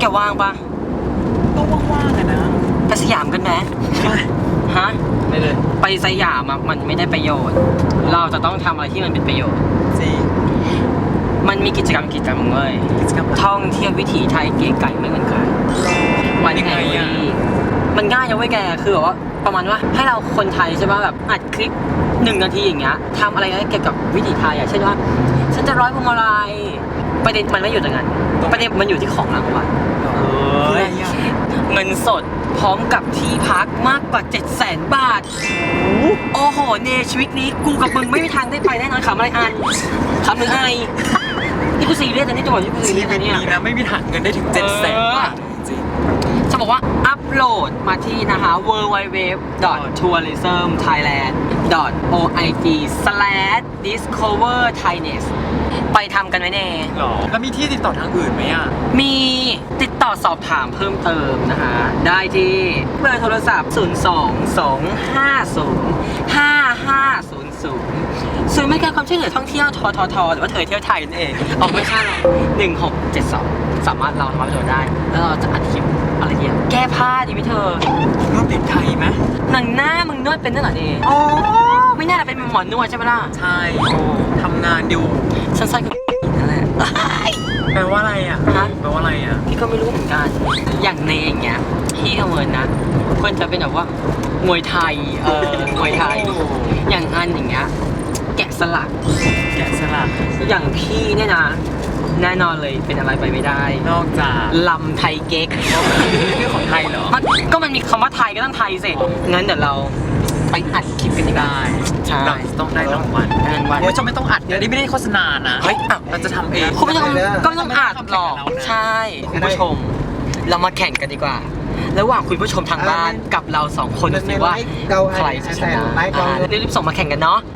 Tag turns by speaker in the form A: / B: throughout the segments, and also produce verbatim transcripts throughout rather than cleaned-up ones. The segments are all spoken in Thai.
A: ว่างปะ
B: ก็ว่างๆอะนะ
A: ไปสยามกันไหมฮะ
B: ไม่เลย
A: ไปสยามมันไม่ได้ประโยชน์เราจะต้องทำอะไรที่มันเป็นประโยชน์
B: จริง
A: มันมีกิจกรรมกิจกรรมเว้ยท่องเที่ยววิถีไทยเก๋ไก่ไม่เหมือนใครวันยังไงอ่ะมันง่ายนะเว้ยแกคือแบบว่าประมาณว่าให้เราคนไทยใช่ป่ะแบบอัดคลิปหนึ่งนาทีอย่างเงี้ยทำอะไรเกี่ยวกับวิถีไทยอ่ะเช่นว่าฉันจะร้อยพวงมาลัยประเด็นมันไม่อยู่ตรงนั้นประเด็นมันอยู่ที่ของรางวัลเงินสดพร้อมกับที่พักมากกว่าเจ็ดแสนบาทโอ้โหเนชีวิตนี้กูกับมึงไม่มีทางได้ไปแน่นอนขำอะไรอันขำหรือไงนี่กูซีเรียสนะนี่จังหวะที่กูซีเรียสนะเนี่ย
B: นะไม่มีทางเงินได้ถึงเจ็ดแสนบาทจริง
A: จะบอกว่าอัปโหลดมาที่นะคะ ดับเบิลยู ดับเบิลยู ดับเบิลยู ดอท ทัวริซึม ไทยแลนด์ ดอท โอ ไอ จี สแลช ดิสคัฟเวอร์ ไทยเนส ไปทำกันไว้แน่
B: หรอแล้วมีที่ติดต่อทางอื่นไหมอ่ะ
A: มีติดต่อสอบถามเพิ่มเติมนะคะได้ที่เบอร์โทรศัพท์ ศูนย์ สอง สอง ห้า ศูนย์ ห้า ห้า ศูนย์ ศูนย์ศูนย์บริการความช่วยเหลือท่องเที่ยวทททหรือว่าเธอเที่ยวไทยนั่นเองออกไม่ค่าหรอกหนึ่งหกเจ็ดสองสามารถเราทำประโยชน์ได้แล้วเราจะอัดคลิปอะไรเงี้ยแก้ผ้าดีไหมเธอน
B: วดติดไทยไหม
A: หนังหน้ามึงนวดเป็นนั่นเหรอเนี่ยโอ้ไม่น่าจะเป็นหมอนวดใช่ไหมล่ะ
B: ใช่ทำงานอยู่
A: สั้นๆก็นั่นแหละ
B: แปลว่าอะไรอ่ะฮะแปลว่าอะไรอ่ะ
A: พี่ก็ไม่รู้เหมือนกันอย่างเนงเงี้ยพี่ก็เหมือนนะควรจะเป็นแบบว่ามวยไทยเออมวยไทยอย่างอันอย่างเงี้ยแกะสลัก
B: แกะสลัก
A: อย่างพี่เนี่ยนะแน่นอนเลยเป็นอะไรไปไม่ได้
B: นอกจาก
A: ลำไทยเก๊ก
B: เรื่องของไทยเหรอ
A: ก็มันมีคำว่าไทยก็ต้องไทยสิงั้นเดี๋ยวเราไปอัดคลิปกันได้
B: ใช่ต้องได้รางวัล
A: รางวัล
B: โอ้ยจะไม่ต้องอัดเดี๋ยวนี้ไม่ได้โฆษณานะ
A: เฮ้ย
B: เราจะทำเอง
A: คุณผู้ชมก็ไม่ต้องอัดหรอกใช่คุณผู้ชมเรามาแข่งกันดีกว่าระหว่างคุณผู้ชมทางบ้านกับเราสองคนดูว่าใครจะชนะรีบๆส่งมาแข่งกันเนาะ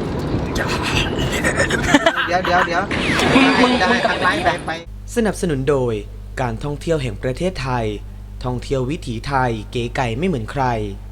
C: เดี๋ยวเดี๋ยวเดี๋ยวมึงมึงกับไลฟ์ไป
D: สนับสนุนโดยการท่องเที่ยวแห่งประเทศไทยท่องเที่ยววิถีไทยเก๋ไก่ไม่เหมือนใคร